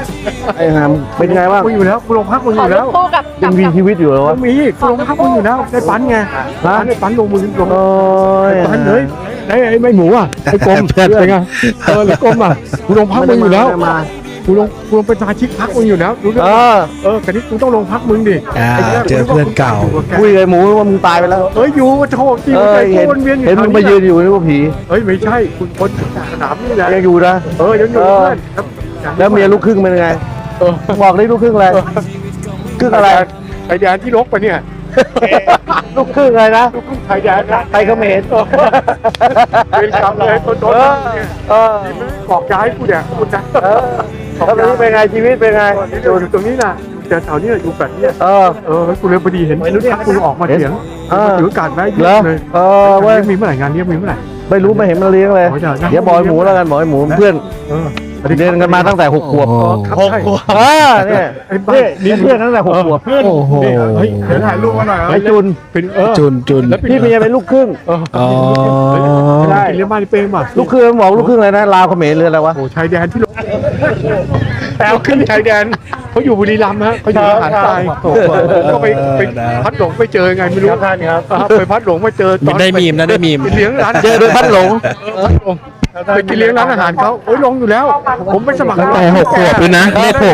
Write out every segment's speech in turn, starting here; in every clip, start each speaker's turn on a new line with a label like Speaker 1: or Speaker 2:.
Speaker 1: ไอ้หามเป็นไงบ้าง
Speaker 2: กูอยู่แล้วกูลงพักมึงอยู่แล้ว
Speaker 3: คู่กับ
Speaker 1: ยังมีชีวิตอยู่เหรอวะ
Speaker 2: มีกูลงพักมึงอยู่แล้วได้ปันไงได้ปันลงมือลง
Speaker 1: โอ้ย
Speaker 2: ปันเลยไอ้ไม่หมูอ่ะไอ้กลมเป็นไงไอ้กลมอ่ะกูลงพักมึงอยู่แล้วกูลงเป็นสมาชิกพักมึงอยู่แล้วรู้เรื่องแต่นี้กูต้องลงพักมึงดิ
Speaker 4: เจอเพื่อนเก่า
Speaker 1: คุยกับหมูว่ามึงตายไปแล้ว
Speaker 2: อยู่มาโชว์จริงใจกูวนเวียนอยู่
Speaker 1: เห็นมึงมายืนอยู่นี่ว่าผี
Speaker 2: ไม่ใช่คุณคนสนามนี่แหละ
Speaker 1: ยังอยู่นะ
Speaker 2: ยังอยู่เพื่อน
Speaker 1: แล้วเมียลูกครึ่งเป็นไงบอกได้ลูกครึ่งอะไรครึ่งอะไร
Speaker 2: ไทยแดนที่ลกไปเนี่ย
Speaker 1: ลูกครึ่งอะไรนะ
Speaker 2: ลูกครึ่งไทยแดน
Speaker 1: ไทยเขมร
Speaker 2: เป็นคำเลยต้นบอกย้ายกูเนี่ยคุณนะ
Speaker 1: แล้วตอนนี้เป็นไงชีวิตเป็นไง
Speaker 2: อยู่ตรงนี้นะแต่แถวนี้อยู่แบบนี้กูเลยพอดีเห็นทักกูออกมาเถียงถือการไว้เยอะเลยเว้ยมีเมื่อไหร่งานนี้มีเมื่อไหร่
Speaker 1: ไม่รู้ไม่เห็นมันเลี้ยงเลยเดี๋ยวบอยหมูแล้วกันบอยหมูเพื่อนเรียนกันมาตั้งแต่6 ขวบเนี่ยนี่เพื่อนตั้งแต่6 ขวบ
Speaker 4: โอ้โห
Speaker 2: เฮ้ยเดี๋ยวถ่ายรูปมาหน่อย
Speaker 1: ไอ้จุน
Speaker 2: เป็น
Speaker 4: จุน
Speaker 1: พี่เมียเป็นลูกครึ่ง
Speaker 2: ได้เลี้ยงบ้านเป้งป่ะ
Speaker 1: ลูกครึ่งบอกลูกครึ่งอะไรนะลาวเขมรหรืออะไรวะ
Speaker 2: โอ้ชายแดนที่ลงแล้วขึ้นชายแดนเขาอยู่บุรีรัมย์ฮะเขาอยู่หาดทรายก็ไปพัดหลงไปเจอไงไม่รู้ไปพัดหลงมาเจอตอน
Speaker 4: ได้มีมนะได้มีม
Speaker 2: เลี้ยงร้าน
Speaker 1: เจอโดยพัดหลง
Speaker 2: ไปกินเลี้ยงร้านอาหารเขาโอ้ยลงอยู่แล้ว ผมไปสมัคร
Speaker 4: ตั้งแต่6 ขวบเลยนะเลข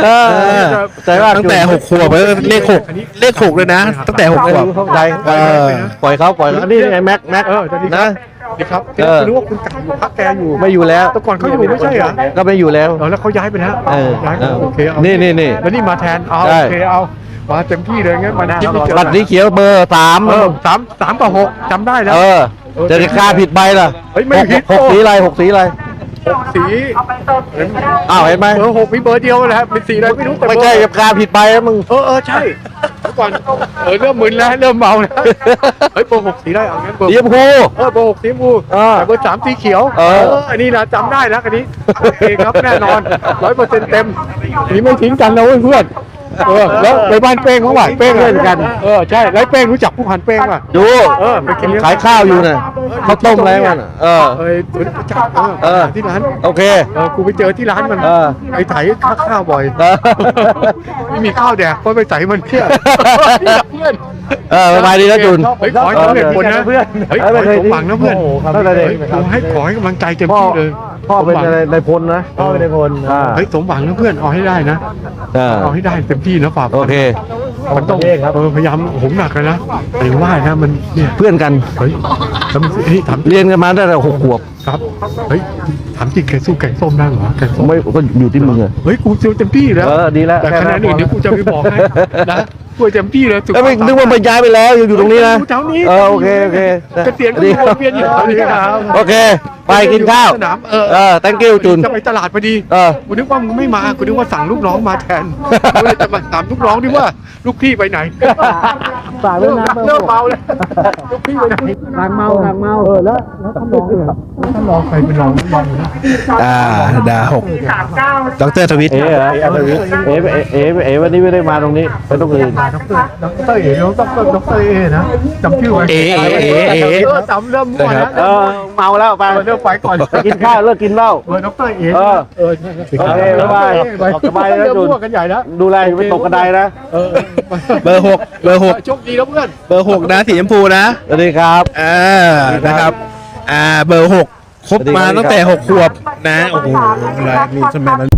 Speaker 4: 6
Speaker 1: ใจว่า
Speaker 4: ตั้งแต่6 ขวบเลข 6เลข 6เลยนะ ตั้งแต่6 ขวบ
Speaker 1: เข้าใจปล่อยเขานี่ไงแม็กนะ
Speaker 2: ดีครับรู้ว่าคุณไก่อยู่พักแกอยู่
Speaker 1: ไม่อยู่แล้ว
Speaker 2: แต่ก่อนเขาอยู่ไม่ใช่เหรอ
Speaker 1: ก็ไม่อยู่แล้ว
Speaker 2: แล้วเขาย้ายไปแล้วย้ายโอเคเอา
Speaker 1: นี่
Speaker 2: แล้วนี่มาแทนเอาโอเคเอามาเต็มที่เลยงั้นมาคิดไม่เจอ
Speaker 1: บัตรสีเขียวเบอร์3
Speaker 2: 3กับ6จำได้แล้ว
Speaker 1: จะกล้าผิดใบล่ะ
Speaker 2: เฮ้ยไม่ผิด
Speaker 1: 6 สีอะไร6 สีอะไร
Speaker 2: สี
Speaker 1: อ้าวเห็นไหม
Speaker 2: เบอร์6มีเบอร์เดียวแหละเป็นสีอะไรไม่รู้แต่
Speaker 1: ไม่ใช่จะกล้าผิดใบแล้วมึง
Speaker 2: ใช่เมื่อก่อนเริ่มมึนแล้วเริ่มเมาแล้วเฮ้ยเบอร์6สีได้เอางั้นเบอร์
Speaker 1: สีชมพู
Speaker 2: เบอร์6สีชมพูแต่เบอร์3สีเขียวอันนี้นะจำได้แล้วอันนี้โอเคครับแน่นอน 100% เต็มอันนี้ไม่ทิ้งกันนะเพื่อนแล้วไปบ้านเป้งเขาหวานเป้งเล่นกันใช่แล้วเป้งรู้จักผู้พันเป้งป่ะ
Speaker 1: ดู
Speaker 2: ไปกินเลี้ยง
Speaker 1: ขายข้าวอยู่น่ะข้าวต้มอะไรมัน
Speaker 2: จักที่ร้าน
Speaker 1: โอเค
Speaker 2: กูไปเจอที่ร้านมันไปไถข้าวบ่อยไม่มีข้าวแดกก็ไปไถมันเพื่อน
Speaker 1: สบายดีนะจุน
Speaker 2: เฮ้ยขอให้สำเร็จผลนะเพื่อนเฮ้ยขอให้สมหวังนะเพื่อน
Speaker 1: ตั้งแต่เด็ก
Speaker 2: ขอให้กำลังใจเต็มที่เลย
Speaker 1: พ่อเป็นอะไรในพลนะพ่อเป็นในพล
Speaker 2: เฮ้ยสมหวังนะเพื่อนเอาให้ได้นะเอาให้ได้เต็มที่นะฝาก
Speaker 1: โอเค
Speaker 2: มันต้องพยายามผมหนักเลยนะแต่ว่านะมันเนี่ย
Speaker 1: เพื่อนกัน
Speaker 2: เฮ้ยถาม
Speaker 1: เรียนกันมาตั้งแต่6 ขวบ
Speaker 2: ครับเฮ้ยถามจริงแกสู้แกงส้มได้เหรอแกงส้ม
Speaker 1: ไม่ก็อยู่ที่มึงอะ
Speaker 2: เฮ้ยกูเต็มที่แล้ว
Speaker 1: ดีแล้ว
Speaker 2: แต่คะแนนอื่นเดี๋ยวกูจะไปบอกให้นะกูเต็มที่เลย
Speaker 1: แล้วไม่นึกว่ามันย้ายไปแล้วอยู่ตรงนี้นะ
Speaker 2: แถวนี้
Speaker 1: โอเค
Speaker 2: เกษียณก็อยู่วนเวียนอยู่แถวนี้ครับ
Speaker 1: โอเคไปกินข้าว
Speaker 2: สนาม
Speaker 1: thank you จุน
Speaker 2: จะไปตลาดพอดีกูนึกว่ามึงไม่มากูนึกว่าสั่งลูกน้องมาแทนกูเลยจะมาถามลูกน้องดิว่าลูกพี่ไปไหน
Speaker 1: ฝากไว้นะ
Speaker 2: เริ่มเมาแล้วลูกพี่ไปไหน
Speaker 1: หนักเมา
Speaker 2: แล้วท่านรองเนี่ยท่านรองใครเป็นรองอยู่นะ
Speaker 4: ดา6ดรทวิทย์
Speaker 1: วันนี้ไม่ได้มาตรงนี้ไปตรงอื่น
Speaker 2: ดรเอ๋น้องดรเอ๋นะจำชื่อไว้จำเริ่มมั่วแล้ว
Speaker 1: เมาแล้วไป
Speaker 2: เริ่มไปก่อน
Speaker 1: กินข้าวเลิกกินเหล้า
Speaker 2: ดรเอ๋
Speaker 1: โอเคบ๊ายบายสบายแล้วจุน
Speaker 2: มั่วกันใหญ่แล้ว
Speaker 1: ดูแลไม่ตกกระไดนะ
Speaker 4: เบอร์ 6
Speaker 2: โชคดีแล้วเพื่อน
Speaker 4: เบอร์ 6นะสีชมพูนะ
Speaker 1: สวัสดีครับ
Speaker 4: นะครับเบอร์ 6 ครบมาตั้งแต่6 ขวบนะโอ้โหลายมีทำไมมัน